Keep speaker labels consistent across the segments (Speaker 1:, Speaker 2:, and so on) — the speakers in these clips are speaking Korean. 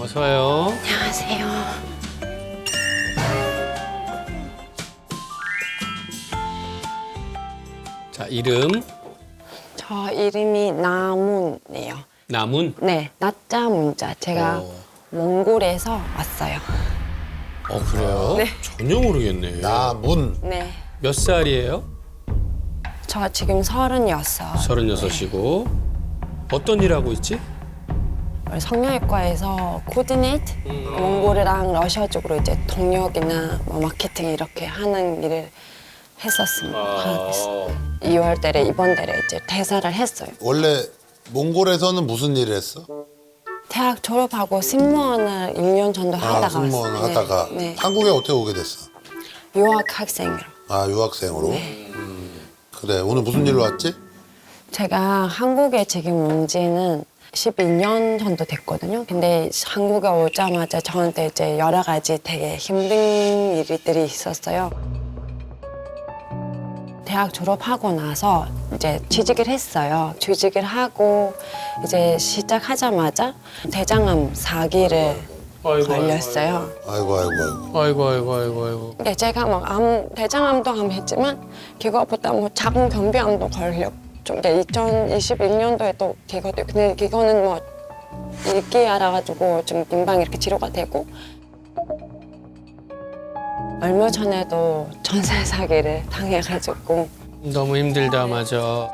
Speaker 1: 어서 와요.
Speaker 2: 안녕하세요.
Speaker 1: 자, 이름
Speaker 2: 저 이름이 나문이에요.
Speaker 1: 나문.
Speaker 2: 네, 나자 문자. 제가 몽골에서 왔어요.
Speaker 1: 그래요?
Speaker 2: 네.
Speaker 1: 전혀 모르겠네.
Speaker 3: 나문.
Speaker 2: 네.
Speaker 1: 몇 살이에요?
Speaker 2: 저 지금 36.
Speaker 1: 36이고. 어떤 일 하고 있지?
Speaker 2: 성형외과에서 코디네이트 몽골이랑 러시아 쪽으로 이제 동역이나 뭐 마케팅 이렇게 하는 일을 했었습니다. 2월 달에 이번 달에 이제 퇴사를 했어요.
Speaker 3: 원래 몽골에서는 무슨 일을 했어?
Speaker 2: 대학 졸업하고 승무원을 1년 정도 하다가
Speaker 3: 승무원
Speaker 2: 왔어요.
Speaker 3: 하다가
Speaker 2: 네.
Speaker 3: 한국에 어떻게 오게 됐어?
Speaker 2: 유학 학생으로.
Speaker 3: 유학생으로? 그래, 오늘 무슨 일로 왔지?
Speaker 2: 제가 한국에 지금 온 지는 12년 정도 됐거든요. 근데 한국에 오자마자 저한테 이제 여러 가지 되게 힘든 일들이 있었어요. 대학 졸업하고 나서 이제 취직을 했어요. 취직을 하고 이제 시작하자마자 대장암 4기를 걸렸어요.
Speaker 1: 아이고.
Speaker 2: 근데 제가 막 대장암도 암했지만 그거보다 뭐 작은 변비암도 걸렸고 좀 2021년도에 또 그것도 근데 그거는 뭐 일기 알아가지고 좀 금방 이렇게 치료가 되고 얼마 전에도 전세 사기를 당해가지고
Speaker 1: 너무 힘들다, 맞아.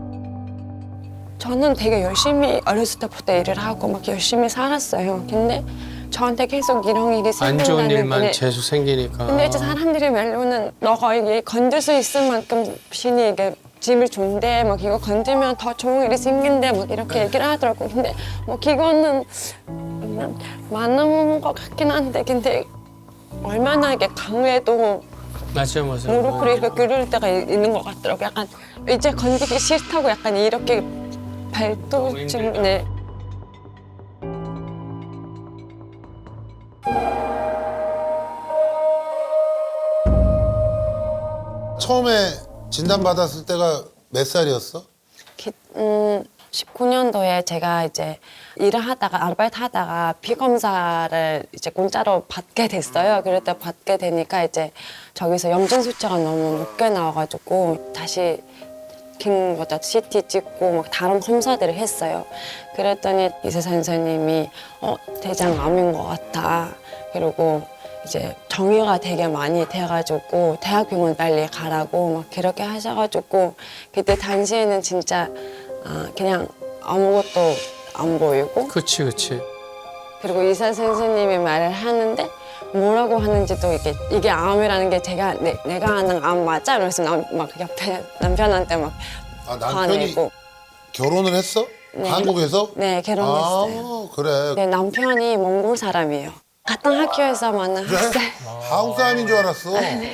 Speaker 2: 저는 되게 열심히 어렸을 때부터 일을 하고 막 열심히 살았어요. 근데 저한테 계속 이런 일이
Speaker 1: 안
Speaker 2: 생긴다는
Speaker 1: 좋은 일만
Speaker 2: 게
Speaker 1: 계속 생기니까.
Speaker 2: 근데 이제 사람들이 말로는 너가 이게 건들 수 있을 만큼 신이 이게 집을 준대 막 이거 건들면 더 좋은 일이 생긴대 막 이렇게 얘기를 하더라고. 근데 뭐 그거는 맞는 것 같긴 한데 근데 얼마나 이게 강해도
Speaker 1: 맞아.
Speaker 2: 무릎을 이렇게 꿇을 때가 있는 것 같더라고. 약간 이제 건드기 싫다고 약간 이렇게 발도증 네.
Speaker 3: 처음에 진단받았을 때가 몇 살이었어?
Speaker 2: 19년도에 제가 이제 일을 하다가 아르바이트 하다가 피 검사를 이제 공짜로 받게 됐어요. 그럴 때 받게 되니까 이제 저기서 염증 수치가 너무 높게 나와가지고 다시 킹보다 CT 찍고 막 다른 검사들을 했어요. 그랬더니 의사 선생님이 대장암인 것 같아. 그리고 이제 정유가 되게 많이 돼가지고 대학병원 빨리 가라고 막 그렇게 하셔가지고 그때 당시에는 진짜 그냥 아무것도 안 보이고
Speaker 1: 그치.
Speaker 2: 그리고 의사 선생님이 말을 하는데 뭐라고 하는지도 이게 암이라는 게 내가 아는 암 맞아? 이러면서 막 옆에 남편한테 막
Speaker 3: 남편이
Speaker 2: 화내고
Speaker 3: 결혼을 했어?
Speaker 2: 네.
Speaker 3: 한국에서?
Speaker 2: 네 결혼했어요.
Speaker 3: 그래.
Speaker 2: 네, 남편이 몽골 사람이에요. 같은 학교에서 만난
Speaker 3: 그래?
Speaker 2: 학생.
Speaker 3: 한국 사람인 줄 알았어.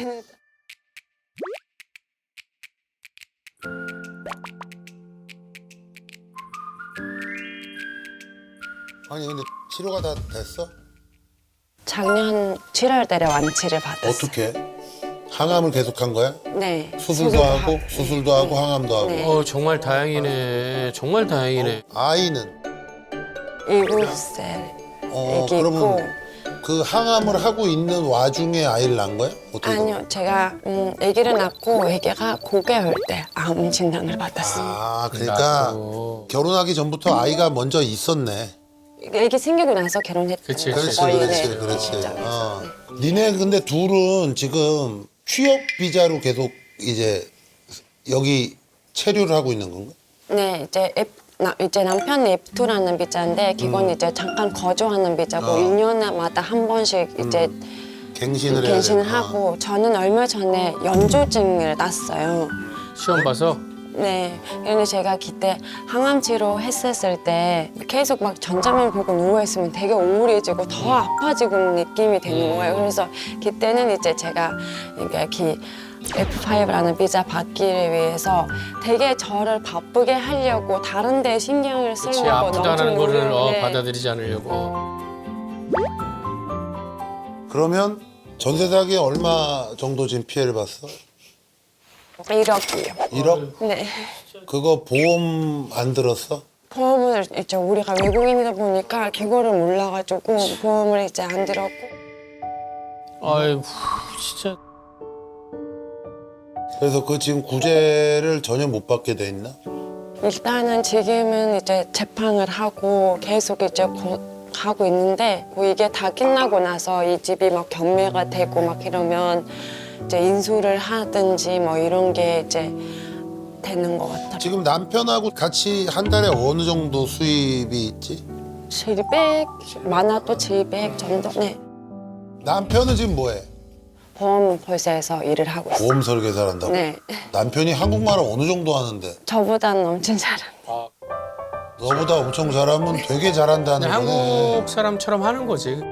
Speaker 3: 아니 근데 치료가 다 됐어?
Speaker 2: 작년 7월 달에 완치를 받았어요.
Speaker 3: 어떻게? 항암을 계속한 거야?
Speaker 2: 네.
Speaker 3: 수술도 하고 수술도 하고 항암도 하고.
Speaker 2: 네.
Speaker 1: 정말 다행이네. 정말 다행이네.
Speaker 3: 아이는?
Speaker 2: 7살 애기 있고
Speaker 3: 그러면 그 항암을 하고 있는 와중에 아이를 낳은 거야? 어떻게
Speaker 2: 아니요 제가 아기를 낳고 아기가 9개월 때 암 진단을 받았어요.
Speaker 3: 그러니까
Speaker 1: 나도.
Speaker 3: 결혼하기 전부터 아이가 먼저 있었네.
Speaker 2: 아기 생기고 나서 결혼했어요.
Speaker 1: 그치.
Speaker 3: 그렇지. 니네 근데 둘은 지금 취업 비자로 계속 이제 여기 체류를 하고 있는 건가?
Speaker 2: 네 이제 남편이 F2라는 비자인데 그건 이제 잠깐 거주하는 비자고 1년마다 한 번씩 이제
Speaker 3: 갱신을 해야
Speaker 2: 갱신을
Speaker 3: 돼.
Speaker 2: 하고 저는 얼마 전에 연조증을 났어요.
Speaker 1: 시험 봐서?
Speaker 2: 네. 그런데 제가 그때 항암 치료 했었을 때 계속 막 전자만 보고 누워있으면 되게 우울해지고 더 아파지고 느낌이 되는 거예요. 그래서 그때는 이제 제가 이게 F5라는 비자 받기를 위해서 되게 저를 바쁘게 하려고 다른 데 신경을
Speaker 1: 그치.
Speaker 2: 쓰려고
Speaker 1: 아프다는
Speaker 2: 너무
Speaker 1: 거를
Speaker 2: 노력을
Speaker 1: 받아들이지 않으려고.
Speaker 3: 그러면 전세 사기에 얼마 정도 지금 피해를 봤어?
Speaker 2: 1억이요.
Speaker 3: 1억?
Speaker 2: 네.
Speaker 3: 그거 보험 안 들었어?
Speaker 2: 보험은 그거를 이제 우리가 외국인이다 보니까 그거를 몰라가지고 보험을 이제 안 들었고.
Speaker 1: 아이고 진짜.
Speaker 3: 그래서 그 지금 구제를 전혀 못 받게 돼 있나?
Speaker 2: 일단은 지금은 이제 재판을 하고 계속 이제 하고 있는데 뭐 이게 다 끝나고 나서 이 집이 막 경매가 되고 막 이러면 이제 인수를 하든지 뭐 이런 게 이제 되는 것 같아요.
Speaker 3: 지금 남편하고 같이 한 달에 어느 정도 수입이 있지?
Speaker 2: 700, 많아도 700 정도. 네.
Speaker 3: 남편은 지금 뭐해?
Speaker 2: 보험 회사에서 일을 하고 있어요.
Speaker 3: 보험 설계사를 한다고?
Speaker 2: 네.
Speaker 3: 남편이 한국말을 어느 정도 하는데?
Speaker 2: 저보다는 엄청 잘합니다.
Speaker 3: 너보다 엄청 잘하면 되게 잘한다는
Speaker 1: 그냥
Speaker 3: 거네.
Speaker 1: 한국 사람처럼 하는 거지.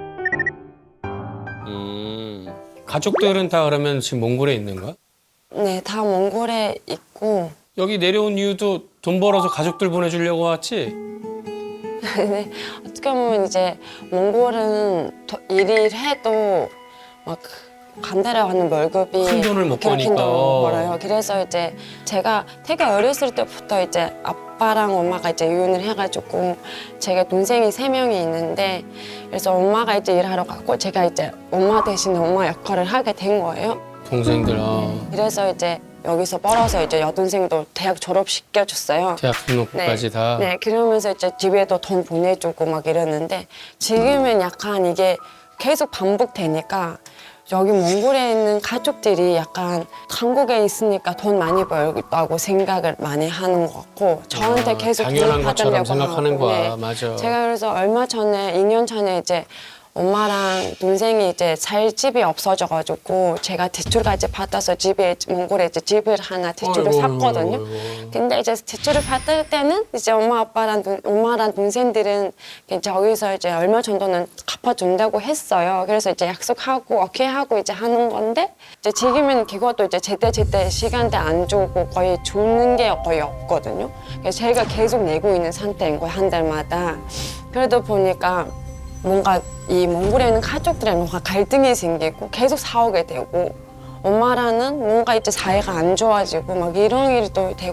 Speaker 1: 가족들은 다 그러면 지금 몽골에 있는 거야?
Speaker 2: 네, 다 몽골에 있고.
Speaker 1: 여기 내려온 이유도 돈 벌어서 가족들 보내주려고 왔지?
Speaker 2: 네, 어떻게 보면 이제 몽골은 일을 해도 막 간달아가는 월급이
Speaker 1: 큰 돈을 못
Speaker 2: 그렇게
Speaker 1: 버니까.
Speaker 2: 벌어요. 그래서 이제 제가 되게 어렸을 때부터 이제 아빠랑 엄마가 이제 이혼을 해가지고 제가 동생이 3명이 있는데 그래서 엄마가 이제 일하러 가고 제가 이제 엄마 대신에 엄마 역할을 하게 된 거예요.
Speaker 1: 동생들
Speaker 2: 그래서 이제 여기서 벌어서 이제 여동생도 대학 졸업시켜줬어요.
Speaker 1: 대학 등록금까지 다.
Speaker 2: 네, 그러면서 이제 집에도 돈 보내주고 막 이러는데 지금은 약간 이게 계속 반복되니까 여기 몽골에 있는 가족들이 약간 한국에 있으니까 돈 많이 벌다고 생각을 많이 하는 것 같고 저한테 계속
Speaker 1: 당연한
Speaker 2: 돈
Speaker 1: 것처럼
Speaker 2: 받으려고
Speaker 1: 생각하는
Speaker 2: 하고,
Speaker 1: 거야. 맞아.
Speaker 2: 제가 그래서 얼마 전에 2년 전에 이제 엄마랑 동생이 이제 살 집이 없어져가지고 제가 대출까지 받아서 집에 몽골에 이제 집을 하나 대출을
Speaker 1: 어이구,
Speaker 2: 샀거든요.
Speaker 1: 어이구.
Speaker 2: 근데 이제 대출을 받을 때는 이제 엄마랑 동생들은 저기서 이제 얼마 정도는 갚아준다고 했어요. 그래서 이제 약속하고 오케이 하고 이제 하는 건데 이제 지금은 그것도 이제 제때 시간대 안 주고 거의 주는 게 거의 없거든요. 그래서 제가 계속 내고 있는 상태인 거예요, 한 달마다. 그러다 보니까 뭔가 이 몽골에 있는 가족들이랑 뭔가 갈등이 생기고 계속 싸우게 되고 엄마랑은 뭔가 이제 사이가 안 좋아지고 막 이런 일이 또 되고.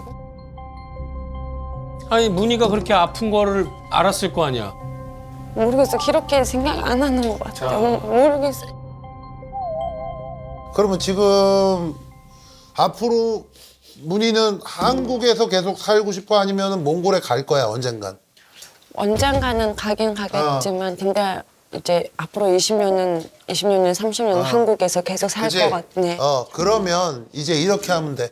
Speaker 1: 아니 문희가 그렇게 아픈 거를 알았을 거 아니야.
Speaker 2: 모르겠어. 그렇게 생각 안 하는 것 같아요. 모르겠어.
Speaker 3: 그러면 지금 앞으로 문희는 한국에서 계속 살고 싶어 아니면 몽골에 갈 거야 언젠간?
Speaker 2: 언젠가는 가긴 가겠지만 근데 이제 앞으로 20년은 30년은 한국에서 계속 살
Speaker 3: 그치?
Speaker 2: 것 같네.
Speaker 3: 그러면 이제 이렇게 하면 돼.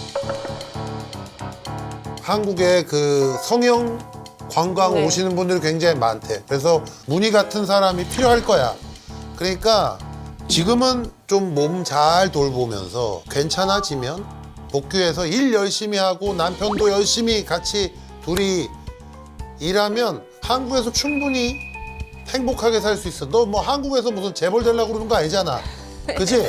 Speaker 3: 한국에 그 성형 관광
Speaker 2: 네.
Speaker 3: 오시는 분들이 굉장히 많대. 그래서 문희 같은 사람이 필요할 거야. 그러니까 지금은 좀 몸 잘 돌보면서 괜찮아지면 복귀해서 일 열심히 하고 남편도 열심히 같이 둘이 일하면 한국에서 충분히 행복하게 살 수 있어. 너 뭐 한국에서 무슨 재벌 되려고 그러는 거 아니잖아. 그치?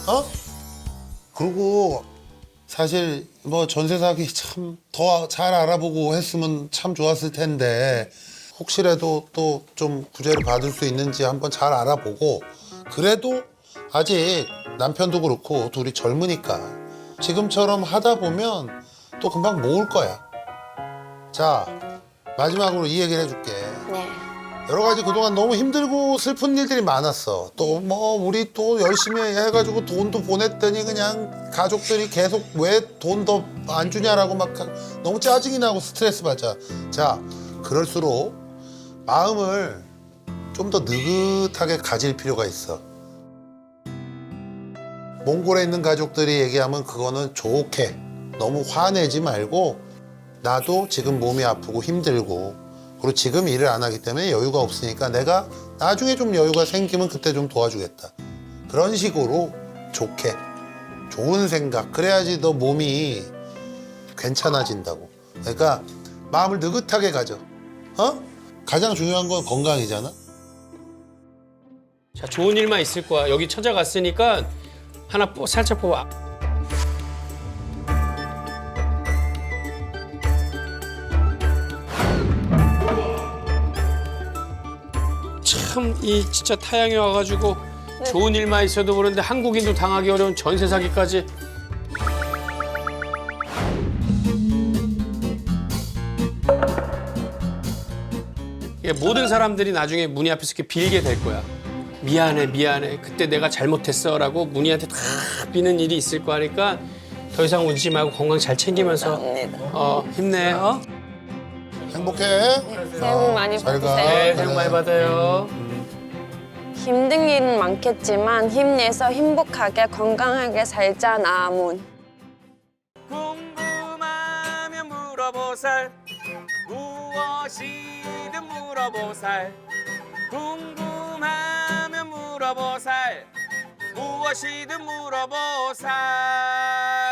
Speaker 3: 그리고 사실 뭐 전세 사기 참 더 잘 알아보고 했으면 참 좋았을 텐데 혹시라도 또 좀 구제를 받을 수 있는지 한번 잘 알아보고 그래도 아직 남편도 그렇고 둘이 젊으니까 지금처럼 하다 보면 또 금방 모을 거야. 자, 마지막으로 이 얘기를 해줄게.
Speaker 2: 네.
Speaker 3: 여러 가지 그동안 너무 힘들고 슬픈 일들이 많았어. 또 뭐 우리 또 열심히 해가지고 돈도 보냈더니 그냥 가족들이 계속 왜 돈 더 안 주냐라고 막 너무 짜증이 나고 스트레스 받자. 자, 그럴수록 마음을 좀 더 느긋하게 가질 필요가 있어. 몽골에 있는 가족들이 얘기하면 그거는 좋게 너무 화내지 말고 나도 지금 몸이 아프고 힘들고 그리고 지금 일을 안 하기 때문에 여유가 없으니까 내가 나중에 좀 여유가 생기면 그때 좀 도와주겠다. 그런 식으로 좋게 좋은 생각 그래야지 너 몸이 괜찮아진다고. 그러니까 마음을 느긋하게 가져. 가장 중요한 건 건강이잖아.
Speaker 1: 자 좋은 일만 있을 거야. 여기 찾아갔으니까 하나 살짝 뽑아. 참 이 진짜 타양에 와가지고 좋은 일만 있어도 그런데 한국인도 당하기 어려운 전세 사기까지. 예, 모든 사람들이 나중에 문희 앞에서 이렇게 빌게 될 거야. 미안해, 미안해. 그때 내가 잘못했어라고 문희한테 다 비는 일이 있을 거니까 더 이상 울지 말고 건강 잘 챙기면서 힘내.
Speaker 3: 행복해.
Speaker 2: 새해 복 많이
Speaker 3: 잘 가.
Speaker 2: 받으세요.
Speaker 1: 네, 새해 복 많이 받아요.
Speaker 2: 힘든 일은 많겠지만 힘내서 행복하게 건강하게 살자 나문.
Speaker 4: 궁금하면 물어보살 무엇이든 물어보살 궁금하면 물어보살 무엇이든 물어보살